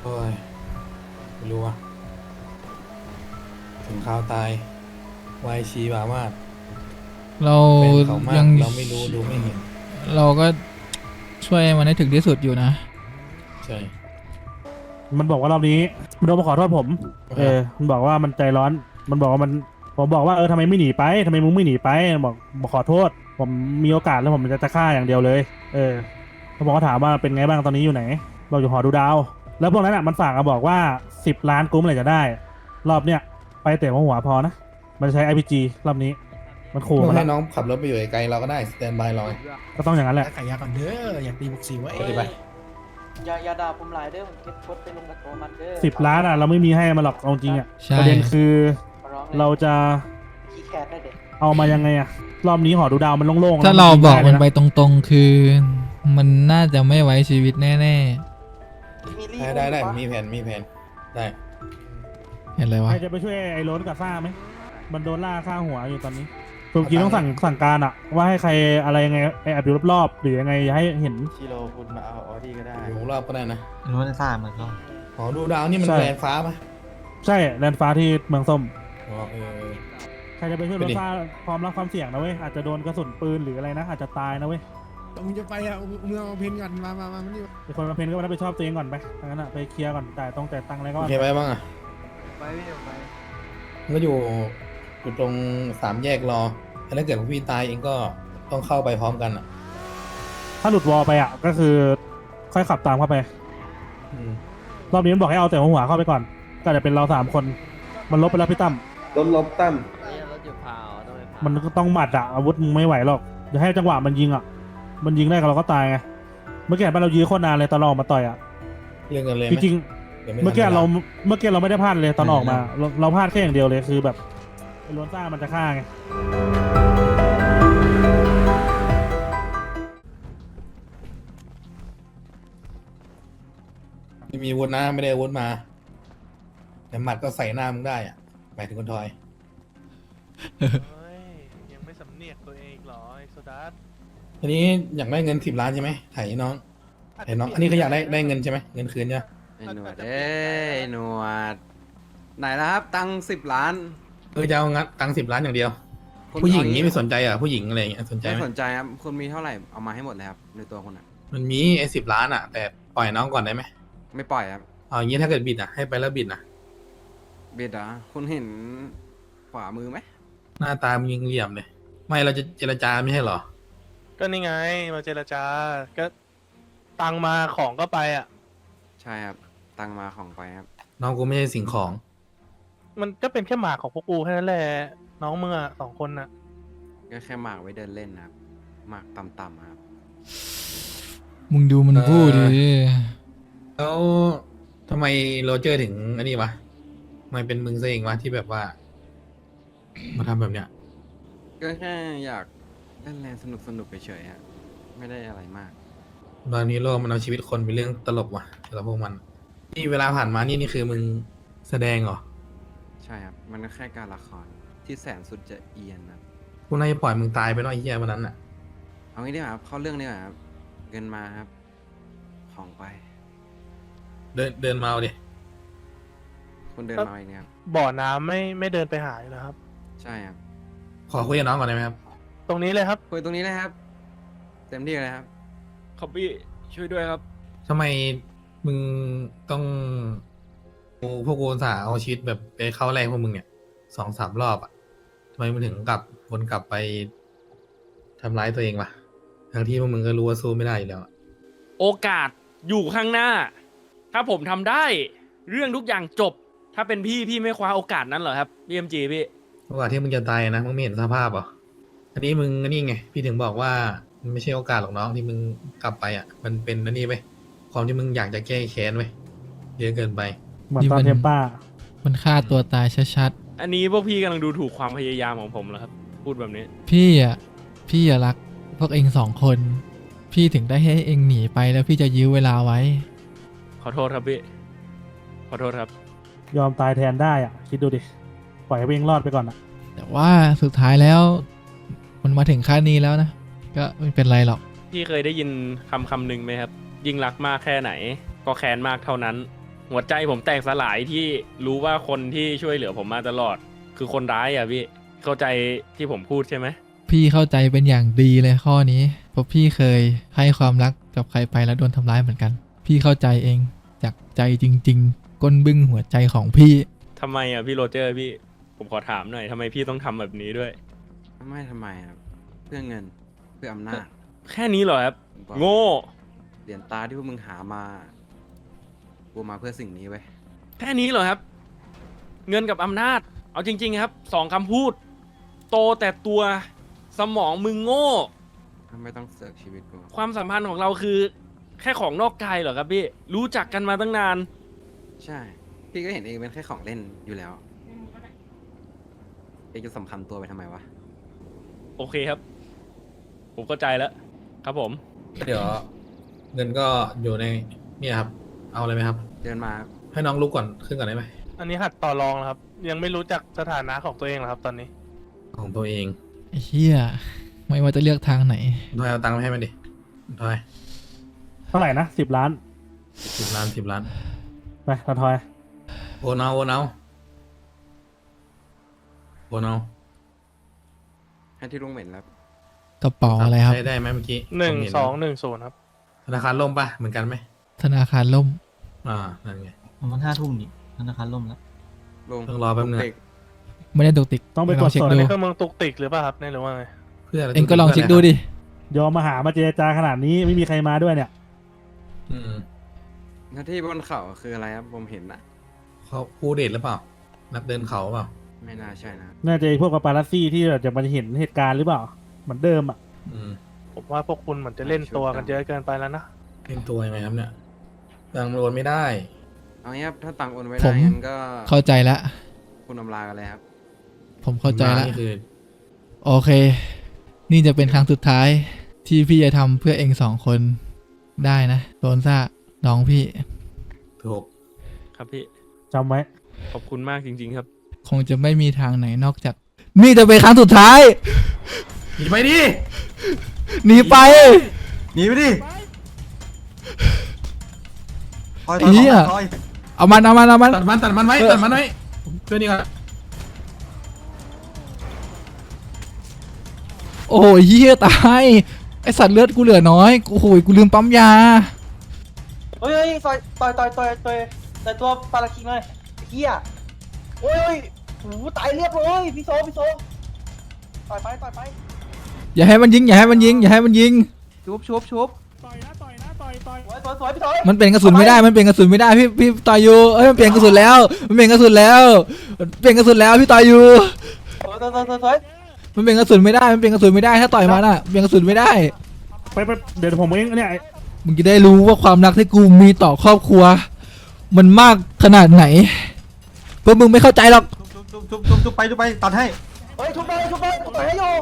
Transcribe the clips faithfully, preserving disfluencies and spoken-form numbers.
โอ้ยไม่รู้ว่ะถึงข่าวตายวายชีบามากเราเป็นเขามากยังเราไม่รู้ดูไม่เห็นเราก็ช่วยมันให้ถึงที่สุดอยู่นะใช่มันบอกว่ารอบนี้มันโดนมาขอโทษผม เออ มันบอกว่ามันใจร้อน มันบอกว่ามันผมบอกว่าเออทำไมไม่หนีไปทำไมมึงไม่หนีไปบอกบอกขอโทษ ผมมีโอกาสแล้วผมจะจะฆ่าอย่างเดียวเลย เออเขาบอกว่าถามว่าเป็นไงบ้างตอนนี้อยู่ไหนบอกอยู่หอดูดาว แล้วพวกนั้นอ่ะมันฝากมาบอกว่าสิบล้านกุ้มอะไรจะได้ รอบเนี้ยไปเตะหัวหัวพอนะ มันใช้ ไอ พี จี รอบนี้ มันขู่มึงมาให้แล้วน้องขับรถไปอยู่ไกลๆเราก็ได้สแตนบายรอยก็ต้องอย่างนั้นแหละขายยาก่อนเด้ออยากตีบุกสีไว้ไปดิไปอย่าอย่าด่าผมหลายเด้อผมเก็บกดไปลงกับตัวมันเด้อสิบล้านอ่ะเราไม่มีให้มันหรอกเอาจริงอ่ะใช่ประเด็นคือขอร้องเลยเราจะขี้แคทได้เด็กเอามายังไงอะรอบนี้หอดูดาวมันโล่งๆถ้าแล้วเราบอกมันยิงไปด้เลยะตรงๆ คือ มันน่าจะไม่ไว้ชีวิตแน่มีรีได้ได้ได้มีแผนมีแผนได้ๆ เห็นเลยวะใครจะไปช่วยไอ้โรนกับซ่าไหมมันโดนล่าฆ่าหัวอยู่ตอนนี้ตัวกี้ต้องสั่งสั่งการอะว่าให้ใครอะไรยังไงไอ้แอบอยู่รอบๆหรือยังไงให้เห็นชิโร่คุณมาเอาออดี้ก็ได้อยู่รอบก็ได้นะรู้ว่าซ่ามันก็หอดูดาวนี่มันใช่แรงฟ้าปะใช่แลนฟ้าที่เมืองส้มอ๋อเออใครจะไปช่วยไปโรดิซ่าพร้อมรับความเสี่ยงนะเว้ยอาจจะโดนกระสุนปืนหรืออะไรนะอาจจะตายนะเว้ยมึงจะไปอ่ะมึงเอาเพนก่อนมามามามานี่ไอ้คนมาเพนก็มารับผิดชอบตัวเองก่อนไปทางนั้นอะไปเคลียร์ก่อนจ่ายต้องจ่ายตังค์อะไรก็โอว่าเคไปบ้างอ่ะไปพี่เดี๋ยวไปมันก็อยู่อยู่ตรงสามแยกรอถ้าเกิดพี่ตายเองก็ต้องเข้าไปพร้อมกันอ่ะถ้าหลุดวอลไปอะก็คือค่อยขับตามเข้าไปอืมรอบนี้มันบอกให้เอาแต่หัวหัวเข้าไปก่อน ก็จะเป็นเราสามคน มันลบไปแล้วพี่ตั้มลบลบตั้มรถอยู่พาวต้องไปพาวมันก็ต้องหมัดอะอาวุธมึงไม่ไหวหรอกจะให้จังหวะมันยิงอะมันยิงได้กับเราก็ตายไง เมื่อกี้เห็นป่ะเรายื้อโคตรนานเลยตอนเราออกมาต่อยอะเรื่องกันเลยไหจมริงดี๋ยวไทันๆเมื่อกี้วลเราเมื่อกี้เราไม่ได้พลาดเลยตอนเออออกมา เราเราพลาดแค่อย่างเดียวเลยคือแบบไอ้ล้วนซ่ามันจะฆ่าไงไม่มีอาวุธนะไม่ได้อาวุธมา แต่หมัดก็ใส่หน้ามึงได้อ่ะหมายถึงคนทอยเฮ้ยยังไม่สำเนียกตัวเองอีกเหรอไอ้โซดัสทีนี้อยากได้เงินสิบล้านใช่ไหมถ่ายน้องถ่ายน้อง อันนี้เขาอยากได้ได้เงินใช่ไหมเงินคืนเนี่ยไอ้หนวดเอ้ยไอ้หนวด ไหนแล้วครับ ตังสิบล้านเออจะเอางัดตังสิบล้านอย่างเดียวคุณผู้หญิงเอางี้นี้ไม่สนใจอ่ะผู้หญิงอะไรอย่างเงี้ยสนใจไม่ไหมสนใจครับ คุณมีเท่าไหร่ เอามาให้หมดเลยครับ ในตัวคุณอ่ะมันมีไอ้สิบล้านอ่ะ แต่ปล่อยน้องก่อนได้ไหมไม่ปล่อยครับเอาอย่างงี้ถ้าเกิดบิดอ่ะให้ไปแล้วบิดอ่ะเบียดเหรอคุณเห็นขวามือไหมหน้าตามึงยิงเหลี่ยมเลย ไม่เราจะเจรจาไม่ใช่เหรอก็นี่ไงมาเจรจา ก็ตังมาของก็ไปอ่ะใช่ครับ ตังมาของไปครับน้องกูไม่ใช่สิ่งของมันก็เป็นแค่หมากของพวกกูแค่นั้นแหละน้องมึงอ่ะสองคนน่ะก็แค่หมากไว้เดินเล่นนะครับ หมากต่ำๆครับมึงดูมันพูดดิแล้วทำไมโรเจอร์ถึงอันนี้วะทำไมเป็นมึงซะเองวะที่แบบว่า มาทำแบบเนี้ยก็แค่อยากเล่นแรงสนุกสนุกๆเฉยๆฮะไม่ได้อะไรมากตอนนี้โลกมันเอาชีวิตคนเป็นเรื่องตลกว่ะสำหรับพวกมัน นี่เวลาผ่านมานี่นี่คือมึงแสดงเหรอใช่ครับ มันก็แค่การละครที่แสนสุดจะเอียนนะกูน่าจะปล่อยมึงตายไปเนอะไอ้เหี้ยวันนั้นอ่ะเอางี้ดีกว่าครับ เข้าเรื่องดีกว่าครับ เงินมาครับ ของไปเดินเดินมาเอาดิคุณเดินมาเองนะครับบ่อน้ำไม่ไม่เดินไปหาอยู่แล้วครับใช่ครับขอคุยกับน้องก่อนได้ไหมครับตรงนี้เลยครับคุยตรงนี้เลยครับ เต็มที่เลยครับขอบพี่ช่วยด้วยครับทำไมมึงต้องกูพวกกูอุตสาห์เอาชีวิตแบบไปเข้าแรกพวกมึงเนี่ยสองสามรอบอ่ะทำไมมึงถึงกลับวนกลับไปทำร้ายตัวเองวะทั้งที่พวกมึงก็รู้ว่าสู้ไม่ได้อยู่แล้วอะโอกาสอยู่ข้างหน้า ถ้าผมทำได้ เรื่องทุกอย่างจบ ถ้าเป็นพี่พี่ไม่คว้าโอกาสนั้นเหรอครับพี่เอ็มจีพี่โอกาสที่มึงจะตายนะมึงไม่เห็นสภาพเหรออันนี้มึงอันนี้ไงพี่ถึงบอกว่ามันไม่ใช่โอกาสหรอกน้องที่มึงกลับไปอ่ะ มันเป็นอันนี้ไปความที่มึงอยากจะแก้แค้นไว้เยอะเกินไปเหมือนตอนเทมป้ามันฆ่าตัวตายชัดอันนี้พวกพี่กำลังดูถูกความพยายามของผมเหรอครับ พูดแบบนี้ๆ พี่อ่ะ พี่อะรักพวกเองสองคน พี่ถึงได้ให้เองหนีไปแล้วพี่จะยื้อเวลาไว้ขอโทษครับพี่ ขอโทษครับยอมตายแทนได้อ่ะ คิดดูดิ ปล่อยให้วิ่งรอดไปก่อนอ่ะแต่ว่าสุดท้ายแล้ว มันมาถึงขั้นนี้แล้วนะ ก็ไม่เป็นไรหรอกพี่เคยได้ยินคำคำหนึ่งไหมครับ ยิ่งรักมากแค่ไหน ก็แค้นมากเท่านั้นหัวใจผมแตกสลายที่รู้ว่าคนที่ช่วยเหลือผมมาตลอด คือคนร้ายอ่ะพี่เข้าใจที่ผมพูดใช่ไหมพี่เข้าใจเป็นอย่างดีเลยข้อนี้เพราะพี่เคยให้ความรักกับใครไปแล้วโดนทำร้ายเหมือนกัน พี่เข้าใจเองจากใจจริง ๆ ก้นบึ้งหัวใจของพี่ทำไมอ่ะพี่โรเจอร์พี่ผมขอถามหน่อยทำไมพี่ต้องทำแบบนี้ด้วยไม่ทำไมครับเพื่อเงินเพื่ออำนาจแค่นี้เหรอครับผมบอกโง่เหรียญตาที่พวกมึงหามากูมาเพื่อสิ่งนี้ไว้ยแค่นี้เหรอครับ เงินกับอำนาจ เอาจริง ๆ ครับสองคำพูด โตแต่ตัวสมองมึงโง่ไม่ต้องเสือกชีวิตกูความสัมพันธ์ของเราคือแค่ของนอกกายเหรอครับพี่รู้จักกันมาตั้งนานใช่ พี่ก็เห็นเองเป็นแค่ของเล่นอยู่แล้วเองจะสำคัญตัวไปทำไมวะโอเคครับ ผมเข้าใจแล้ว ครับผมเดี๋ยว เงินก็อยู่ในเนี่ยครับ เอาเลยไหมครับเดินมาให้น้องลุกก่อนขึ้นก่อนได้ไหมอันนี้หัดต่อรองแล้วครับ ยังไม่รู้จักสถานะของตัวเองเหรอครับตอนนี้ของตัวเองไอ้เหี้ยไม่ว่าจะเลือกทางไหนทอยเอาตังค์มาให้มันดิทอยเท่าไหร่นะสิบล้านสิบล้านสิบล้านไปทอยทอยโอนเอาโอนเอาโอนเอาให้ที่ลุงเหม็นแล้วกระเป๋าอะไรครับใช้ได้ไหมเมื่อกี้หนึ่งผมเสองหนึ่งศูนย์ครับธนาคารล่มปะเหมือนกันไหมธนาคารล่มอ่านั่นไงมันห้าทุ่มนี่ธนาคารล่มแล้วลุงต้องรอแป๊บนึงเด็กไม่ได้ตกติกต้องไปตรลวอจงเช็คสอบอันดูนี้คือมึงตุกติกหรือเปล่าครับเนี่ยหรือว่าไงเพื่ออะไรเองก็ลองเช็คดูดิยอมมาหามาเจรจาขนาดนี้ไม่มีใครมาด้วยเนี่ยอืมหน้าที่บนเขาคืออะไรครับผมเห็นอะเขาคู่เดทหรือเปล่า นักเดินเขาเปล่าไม่น่าใช่นะน่าจะไอ้พวกปาปารัสซี่ที่แบบจะมาเห็นเหตุการณ์หรือเปล่า เหมือนเดิมอ่ะอืมผมว่าพวกคุณเหมือนจะเล่นตัวกันเยอะเกินไปแล้วนะเล่นตัวยังไงครับเนี่ยตังค์โอนไม่ได้เอางี้ครับถ้าตังค์โอนไว้ผได้มงั้นก็เข้าใจแล้วคุณอำลากันเลยครับผมเข้าใจแล้วนี่คือโอเค นี่จะเป็นครั้งสุดท้าย ที่พี่จะทำเพื่อเองสองคนได้นะโดนซ่าน้องพี่ถูกครับพี่จำไว้ขอบคุณมากจริง ๆ ครับคงจะไม่มีทางไหนนอกจาก นี่จะเป็นครั้งสุดท้ายหนีไปดิหนีไปหนีไปดิถอยไอ้เหี้ยถอยเอามันเอามันเอามันตัดมันตัดมันไว้เออตัดมันไว้ช่วยนี่ก่อนโอ้ยเหี้ยตายไอสัตว์เลือดกูเหลือน้อยโอ้โหกูลืมปั๊มยาเฮ้ยเฮ้ยต่อยต่อยต่อยต่อยต่อยต่อยตัวปาราคิงเลยเฮียโอ้ยโอ้ยโอ้โหตายเรียบเลยพี่โซพี่โซต่อยไปต่อยไปอย่าให้มันยิงอย่าให้มันยิงอย่าให้มันยิงชุบชุบชุบต่อยนะต่อยนะต่อยต่อยสวยสวยสวยพี่โซมันเปลี่ยนกระสุนไม่ได้มันเปลี่ยนกระสุนไม่ได้พี่พี่ต่อยอยู่เอ้ยมันเปลี่ยนกระสุนแล้วมันเปลี่ยนกระสุนแล้วมันเปลี่ยนกระสุนแล้วพี่ต่อยอยู่สวยสวยสวยสวยสวยมันเปลี่ยนกระสุนไม่ได้มันเปลี่ยนกระสุนไม่ได้ถ้าต่อยมันอ่ะเปลี่ยนกระสุนไม่ได้ไปไปเดี๋ยวผมเองเนี่ยมึงจะได้รู้ว่าความรักที่กูมีต่อครอบครัว มันมากขนาดไหนเพราะมึงไม่เข้าใจหรอกจุ๊บจุ๊บจุ๊บจุ๊บจุ๊บไปจุ๊บไปตัดให้เฮ้ยชุบไปชุบไปต่อยให้อยู่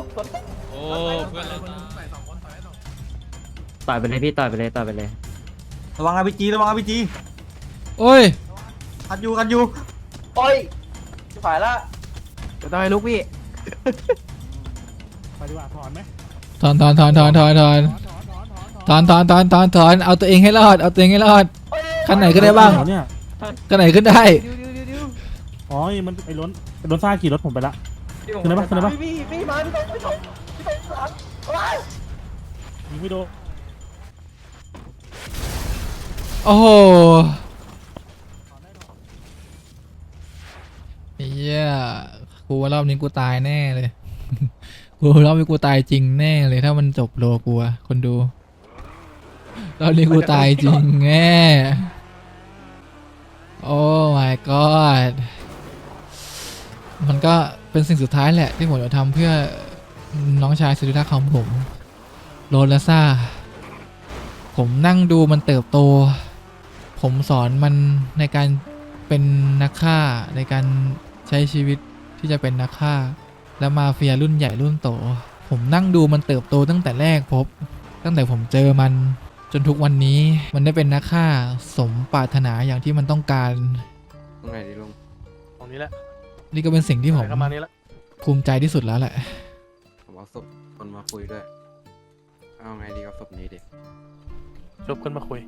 ต่อยไปเลยพี่ต่อยไปเลยต่อยไปเลยระวังอาร์พีจีระวังอาร์พีจีโอ้ยคัดอยู่คัดอยู่โอ้ยจะฝ่ายละจะต่อยลูกพี่ไปดีกว่าถอนไหมถอนถอนถอนถอนถอนถอนถอนถอนถอนถอนถอนถอนถอนถอนเอาตัวเองให้รอดเอาตัวเองให้รอดขั้นไหนก็ได้บ้างเนี่ยขั้นไหนขึ้นได้ดิวดิวดิวดิวอ๋อมันไอ้ล้นไอ้ล้นซ่าขี่รถผมไปละ ขึ้นได้ปะขึ้นได้ปะพี่พี่พี่มาพี่โซพี่โซพี่โซหลังว้ายยิงไม่โดนโอ้โหเฮียกูว่ารอบนี้กูตายแน่เลย กูรอบนี้กูตายจริงแน่เลยถ้ามันจบโลกูอะคนดูรอบนี้กูตายจริงแน่โอ้ my god มันก็เป็นสิ่งสุดท้ายแหละที่ผมจะทำเพื่อน้องชายสุดที่รักของผมโรลาซ่าผมนั่งดูมันเติบโต ผมสอนมันในการเป็นนักฆ่าในการใช้ชีวิตที่จะเป็นนักฆ่าและมาเฟียรุ่นใหญ่รุ่นโต ผมนั่งดูมันเติบโตตั้งแต่แรกพบ ตั้งแต่ผมเจอมันจนทุกวันนี้มันได้เป็นนักฆ่าสมปรารถนาอย่างที่มันต้องการตรงไหนดีลุงตรงนี้แหละนี่ก็เป็นสิ่งที่ผมประมาณนี้ละภูมิใจที่สุดแล้วแหละผมเอาศพคนมาคุยด้วย เอาไงดีกับศพนี้ดิชุบขึ้นมาคุย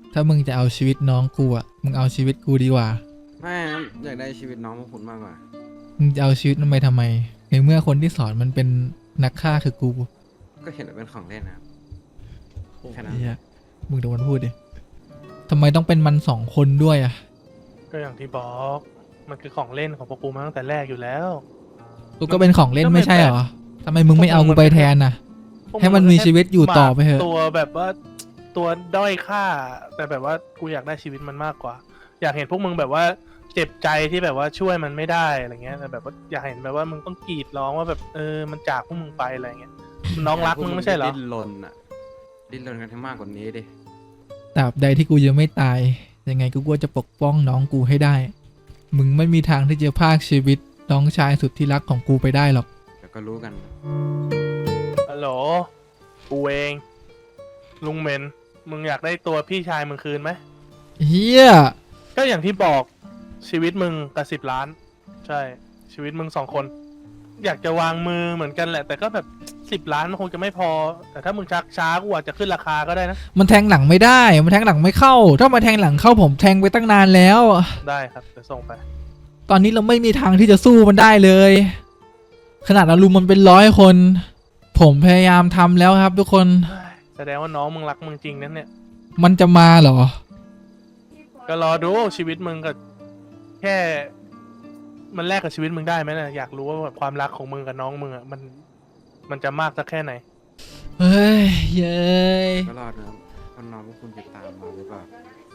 ถ้ามึงจะเอาชีวิตน้องกูอ่ะมึงเอาชีวิตกูดีกว่าไม่อยากได้ชีวิตน้องพวกคุณมากกว่ามึงจะเอาชีวิตมันไปทำไมในเมื่อคนที่สอนมันเป็นนักฆ่าคือกูก็เห็นว่าเป็นของเล่นนะครับแค่นั้นเฮียมึงดูมันพูดดิทำไมต้องเป็นมันสองคนด้วยอ่ะก็อย่างที่บอก มันคือของเล่นของพวกกูมาตั้งแต่แรกอยู่แล้วกูก็เป็นของเล่นก็ไม่ไม่ใช่เหรอทำไมมึงไม่เอาพวกมึกูงไปมันแทนน่ะพวกให้มันมีชีวิตอยู่ต่อไปเถอะตัวแบบว่าตัวด้อยค่า แต่แบบว่ากูอยากได้ชีวิตมันมากกว่า อยากเห็นพวกมึงแบบว่าเจ็บใจที่แบบว่าช่วยมันไม่ได้อะไรเงี้ยแต่แบบว่าอยากเห็นแบบว่ามึงต้องกรีดร้องว่าแบบเออมันจากพวกมึงไปอะไรเงี้ยน้องรักมึงไม่ใช่เหรอดิ้นรนอะดิ้นรนกันให้มากกว่านี้ดิตราบใดที่กูยังไม่ตายยังไงกูก็จะปกป้องน้องกูให้ได้ มึงไม่มีทางที่จะพรากชีวิตน้องชายสุดที่รักของกูไปได้หรอกเดี๋ยวก็รู้กันฮัลโหลกูเองลุงเมนมึงอยากได้ตัวพี่ชายมึงคืนไหมเฮียก็อย่างที่บอกชีวิตมึงกับสิบล้าน ใช่ชีวิตมึงสองคน อยากจะวางมือเหมือนกันแหละ แต่ก็แบบสิบล้านมันคงจะไม่พอ แต่ถ้ามึงชักช้ากูอาจจะขึ้นราคาก็ได้นะมันแทงหลังไม่ได้มันแทงหลังไม่เข้า ถ้ามาแทงหลังเข้าผมแทงไปตั้งนานแล้วได้ครับเดี๋ยวส่งไปตอนนี้เราไม่มีทางที่จะสู้มันได้เลย ขนาดเราลุมมันเป็นร้อยคน ผมพยายามทำแล้วครับทุกคนแสดงว่าน้องมึงรักมึงจริงนั่นเนี่ยมันจะมาเหรอก็รอดูชีวิตมึงกับแค่มันแลกกับชีวิตมึงได้ไหมนะอยากรู้ว่าแบบความรักของมึงกับน้องมึงอ่ะมันมันจะมากสักแค่ไหนเฮ้ยเย้ยก็รอดนะครับว่าน้องพวกคุณจะตามมาหรือเปล่า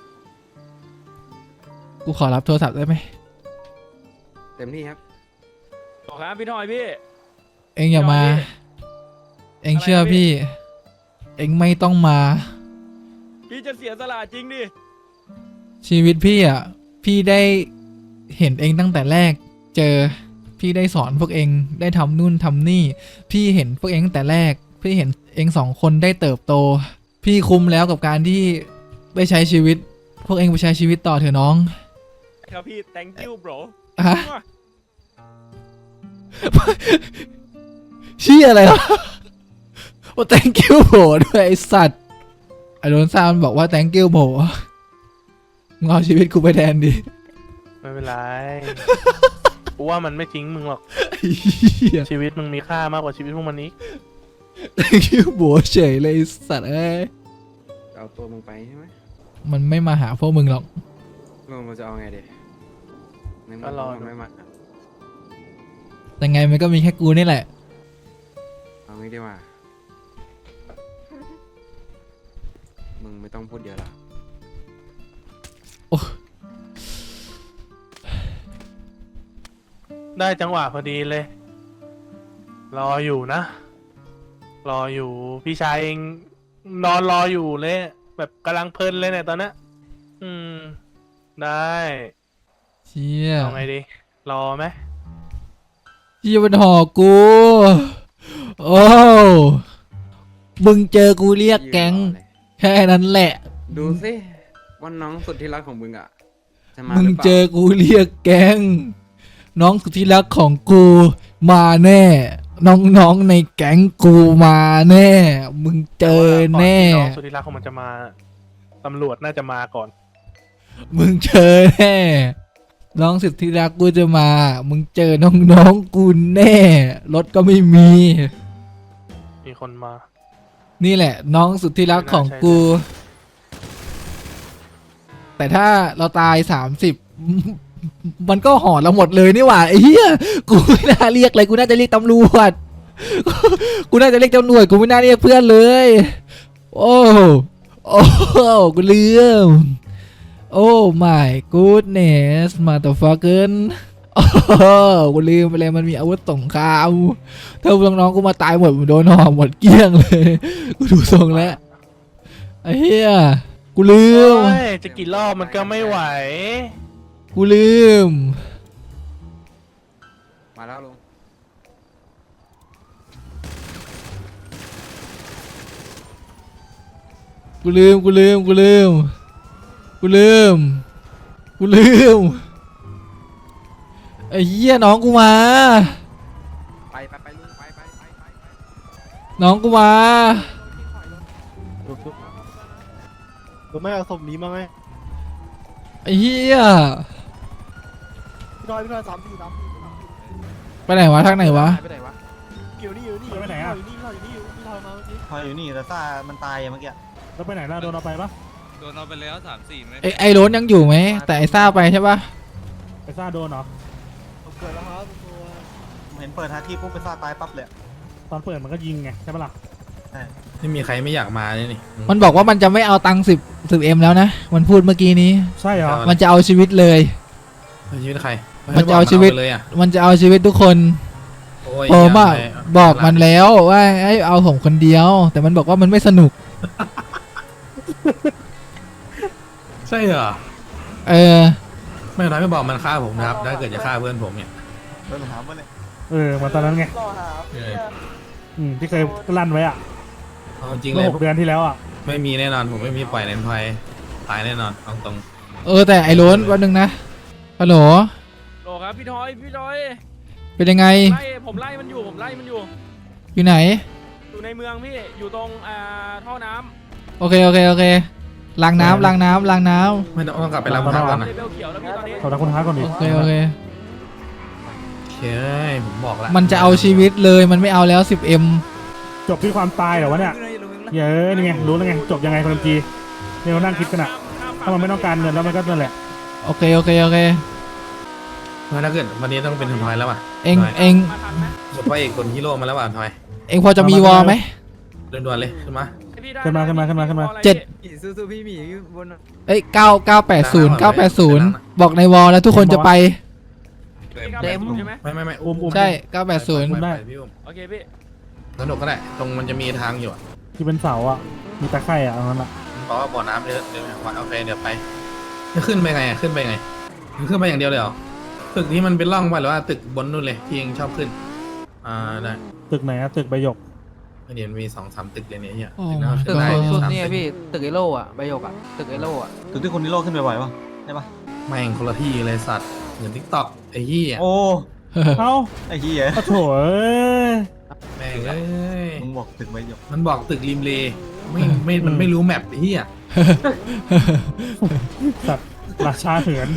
กูขอรับโทรศัพท์ได้ไหมเต็มที่ครับขอครับพี่ทอยพี่เอ็งอย่ามาพี่เอ็งเชื่ออะไรนะพี่พี่ เอ็งไม่ต้องมาพี่จะเสียสละจริงดิชีวิตพี่อ่ะ พี่ได้เห็นเองตั้งแต่แรก เจอ พี่ได้สอนพวกเองได้ทำนู่นทำนี่ พี่เห็นพวกเองตั้งแต่แรก พี่เห็นเองสองคนได้เติบโต พี่คุ้มแล้วกับการที่ไปใช้ชีวิต พวกเองไปใช้ชีวิตต่อเถอะน้องครับพี่ thank you bro ฮะ เชี่ยอะไรวะโอ้ thank you โบด้วยไอสัตว์ไอโดนซามบอกว่า thank you โบมึงเอาชีวิตกูไปแทนดิไม่เป็นไร กูว่ามันไม่ทิ้งมึงหรอกเหี้ยชีวิตมึงมีค่ามากกว่าชีวิตพวกมันนี้ thank you โบเฉยเลยไอ้สัตว์เอ้ยเอาตัวมึงไปใช่ไหมมันไม่มาหาพวกมึงหรอกลุงมันจะเอาไงดีในเมื่ก็รอมันดูไม่มาแต่ไงมันก็มีแค่กูนี่แหละเอางี้ดีกว่า มึงไม่ต้องพูดเยอะหรอกได้จังหวะพอดีเลย รออยู่นะ รออยู่พี่ชายเองนอนรออยู่เลย แบบกำลังเพลินเลยเนี่ยตอนนี้อืม ได้เชี่ยเอาไงดี รอไหมเชี่ยมันหอกกู โอ้มึงเจอกูเรียกแก๊งยืนรอเลยแค่นั้นแหละดูสิว่าน้องสุดที่รักของมึงอ่ะ จะมามึงหรือเปล่าเจอกูเรียกแก๊งน้องสุดที่รักของกูมาแน่ น้องๆในแก๊งกูมาแน่ มึงเจอแน่ต่ว่าก่อนที่น้องสุดที่รักของมันจะมาตำรวจน่าจะมาก่อนมึงเจอแน่ น้องสุดที่รักกูจะมา มึงเจอน้องๆกูแน่ รถก็ไม่มีมีคนมานี่แหละ น้องสุดที่รักของกู แต่ถ้าเราตายสามสิบมันก็ห่อเราหมดเลยนี่หว่าไอ้เหี้ยกูไม่น่าเรียกเลยกูน่าจะเรียกตำรวจ กูน่าจะเรียกตำรวจกูไม่น่าเรียกเพื่อนเลย โอ้โอ้กูลืมโอ้ my goodness motherfucker โอ้กูลืมไปเลยมันมีอาวุธสงครามถ้าน้องๆกูมาตายหมดโดนห่อหมดเกลี้ยงเลยกูดูทรงแล้วไอ้เหี้ยกูลืมโอ้ยจะกี่รอบมันก็ไม่ไหวกูลืมมาแล้วลุงกูลืม กูลืม กูลืม กูลืม กูลืม ไอ้เหี้ยน้องกูมาไปไปไปลุงไปไปไปไปไปน้องกูมารือไม่เอาศพนี้มาไหมไอ้เหี้ยพี่น้อยพี่น้อยสามสี่สามสี่ไปไหนวะทางไหนวะไปไหนวะอยู่นี่อยู่นี่ไปไหนอะอยู่นี่พี่น้อยอยู่นี่พี่น้อยมาเมื่อกี้พออยู่นี่แต่ซ่ามันตายอะเมื่อกี้แล้วไปไหนล่ะโดนเอาไปปะโดนเอาไปแล้วสามสี่ไม่ไอ้ไอ้โรนยังอยู่ไหมแต่ไอ้ซ่าไปใช่ปะไปซ่าโดนเหรอผมเกิดแล้วครับตัวผมเห็นเปิดฮาที่ปุ๊บไปซ่าตายปั๊บเลยตอนเปิดมันก็ยิงไงใช่ปะล่ะไม่มีใครไม่อยากมาเลยนี่มันบอกว่ามันจะไม่เอาตังค์สิบสิบเอ็มแล้วนะมันพูดเมื่อกี้นี้ใช่เหรอมันจะเอาชีวิตเลยเอาชีวิตใครมันจะเอาชีวิตไปเลยอ่ะมันจะเอาชีวิตทุกคนโอ้ยผมอะย่าไปบอกมันแล้วว่าให้เอาผมคนเดียว แต่มันบอกว่ามันไม่สนุกใช่เหรอเออไม่น้อยไม่บอกมันฆ่าผมนะครับถ้าเกิดจะฆ่าเพื่อนผมเนี่ยโดนถามว่าเลยเออเหมาตอนนั้นไงรอหาเพื่อนอืมที่เคยลั่นไว้อะเอาจริงเลเมื่อย หกเดือนที่แล้วอะไม่มีแน่นอนผมไม่มีปล่อยเลนพอยตายแน่นอนเอาตรงเออแต่ไอ้โรนวันหนึ่งนะฮัลโหลโหลครับพี่ทอยพี่ทอยเป็นยังไงไล่ผมไล่มันอยู่ผมไล่มันอยู่อยู่ไหนอยู่ในเมืองพี่อยู่ตรงอ่าท่อน้ำโอเคโอเคโอเคล้างน้ำล้างน้ำล้างน้ไม่ต้องต้องกลับไปรับพักก่อนนะเลเวลเขียวแล้วพี่ตอนนี้ขอบคุณท้าก่อนำดิโอเคโอเคเฮ้ยผมบอกแล้วมันจะเอาชีวิตเลยมันไม่เอาแล้ว สิบเอ็มจบที่ความตายเหรอวะเนี่ยเย้ยนี่ไงรู้แล้วไงจบยังไงคนจีเนี่ยเรานั่งคิดกันอะถ้ามันไม่ต้องการเงินแล้วมันก็นั่นแหละโอเคโอเคโอเคถ้าเกิดวันนี้ต้องเป็นทอยแล้วอ่ะเองทยเองมาทันไหมหมดพระเอกคนฮีโร่มาแล้วอ่ะทอยเองพอจะมีวอลไหมด่วนๆเลยขึ้นมาพี่ได้ขึ้นมาขึ้นมาขึ้นมาขึ้นมาเจ็ดสู้ๆพี่หมีบนเอ้ยเก้าเก้าแปดศูนย์เก้าแปดศูนย์บอกในวอลแล้วทุกคนจะไปเต็มใช่ไหมไม่ไม่ไม่อุ้มอุ้มใช่เก้าแปดศูนย์ไปได้ไปพี่อุ้มโอเคพี่สนุกก็ได้ตรงมันจะมีทางอยู่อะที่เป็นเสาอะมีตะไคร่อะเอางั้นอะเพราะว่าบ่อน้ำเยอะเดี๋ยวโอเคเดี๋ยวไปจะขึ้นไปไงอะขึ้นไปไงมึงขึ้นไปอย่างเดียวเลยเหรอตึกนี้มันเป็นร่องไปหรือว่าตึกบนนู่นเลยที่เองชอบขึ้นอ่าได้ตึกไหนอะตึกใบหยกเดี๋ยวมันมีสองสามตึกเลยเนี่ยเฮียโอ้ตึกนั้นขึ้นได้สุดสามเนี่ยตึกพี่ตึกไอโล่อะใบหยกอะตึกไอโล่อะถึงที่คนนี้โลกขึ้นไปบ่อยปะใช่ปะแม่งคนละที่เลยสัตว์เหมือนทิกตอกไอ้เหี้ยโอ้เอ้าไอ้เหี้ยโอ้โถเอ้ยแม่งเอ้ยมึงบอกตึกใบหยกมันบอกตึกริมเลไม่ไม่มันไม่รู้แมปไอ้เหี้ยสัตว์ราชาเหือน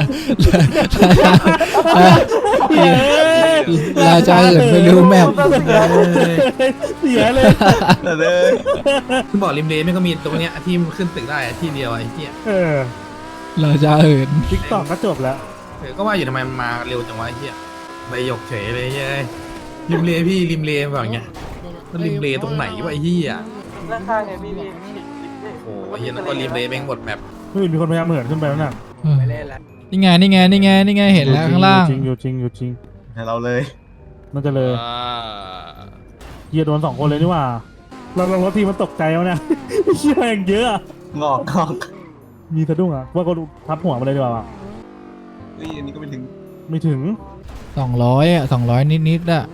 ราชาอื่นไม่รู้แมพเสียเลยแต่เลยมันบอกริมเลไม่ก็มีตรงเนี้ยที่มันขึ้นตึกได้อะที่เดียวอะไอ้เหี้ยเออราชาอื่นทิกตอกก็จบแล้วเออก็ว่าอยู่ทำไมมันมาเร็วจังวะไอ้เหี้ยใบหยกเฉยเลยเฮ้ยริมเลพี่ริมเลแบบเงี้ยมันริมเลตรงไหนวะไอ้เหี้ยด้านข้างไงพี่พี่โอ้โหไอ้เหี้ยนั่นก็ริมเลแม่งหมดแมปเฮ้ยมีคนพยายามเหินขึ้นไปแล้วน่ะไม่เล่นแล้วนี่ไงนี่ไงนี่ไงนี่ไงเห็นแล้วข้างล่างจริงอยู่จริงอยู่จริงให้เราเลยน่าจะเลยอ่าเฮียโดนสองคนเลยนี่หว่าเราเรารถทีมันตกใจแล้วเนี่ยเชี่ยอย่างเยอะอะงอกงอกมีสะดุ้งอะว่าก็ทับหัวมาเลยดีกว่าว่ะเฮ้ยอันนี้ก็ไม่ถึงไม่ถึงสองร้อยอ่ะสองร้อยนิดๆอ่ะ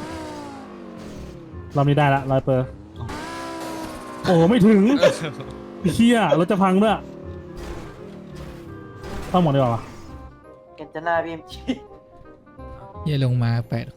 รอบนี้ได้ละร้อยเปอร์โอ้ไม่ถึงเชี่ยรถจะพังด้วยต้องหมดดีกว่าว่ะเห็นจะหน้าพี่เอ็มจีเยี่ยลงมาแปดคน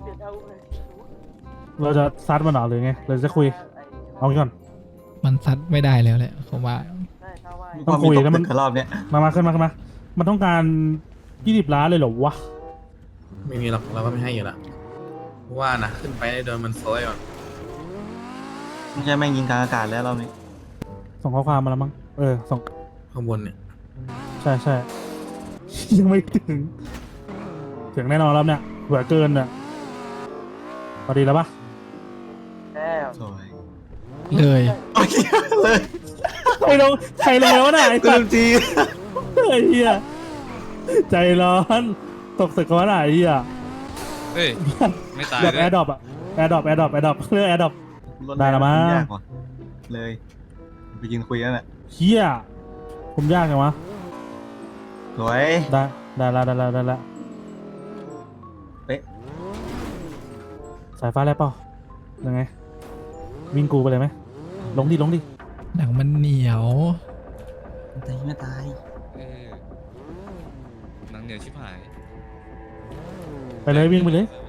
เราจะซัดมันเหรอหรือไงเราจะคุยเอางี้ก่อนมันซัดไม่ได้แล้วแหละผมว่าได้ถ้าว่าต้องคุยมีตกแล้วมันตึกกับรอบเนี้ยมามาขึ้นมาขึ้นมา มันต้องการยี่สิบล้านเลยเหรอวะไม่มีหรอกเราก็ไม่ให้อยู่ละว่านะขึ้นไปโดนมันโซยก่อนไม่ใช่แม่งยิงกลางอากาศแล้วรอบนี้ส่งข้อความมาแล้วมั้งเออส่งข้างบนเนี่ยใช่ใช่ ยังไม่ถึง ถึงแน่นอนแล้วเนี่ยเผื่อเกินเนี่ยพอดีแล้วปะแล้วสวยเลยโอเคเลยใครลงใครลงแล้วน่ะไอ้กูสัลืตมว์จีไอ้เหี้ยใจร้อนตกตึกกันวะน่ะไอ้เหี้ยเฮ้ย ไม่ตายแบบด้แอวยร์ดรอปอะแอร์ดรอปแอร์ดรอปแอร์ดรอปเรื่องแอร์ดรอป ได้ละมั้งยากว่ะเลยไปยืนคุยแล้วแหละเหี้ยผมยากไงวะสวยได้ได้ละได้ละได้ละเป๊ะสายฟ้าแล้วเปล่ายังไงวิ่งกูไปเลยไหมลงดิลงดิหนังมันเหนียวตายไม่ตายเออหนังเหนียวชิบหายไปเลยวิ่งไปเลยออ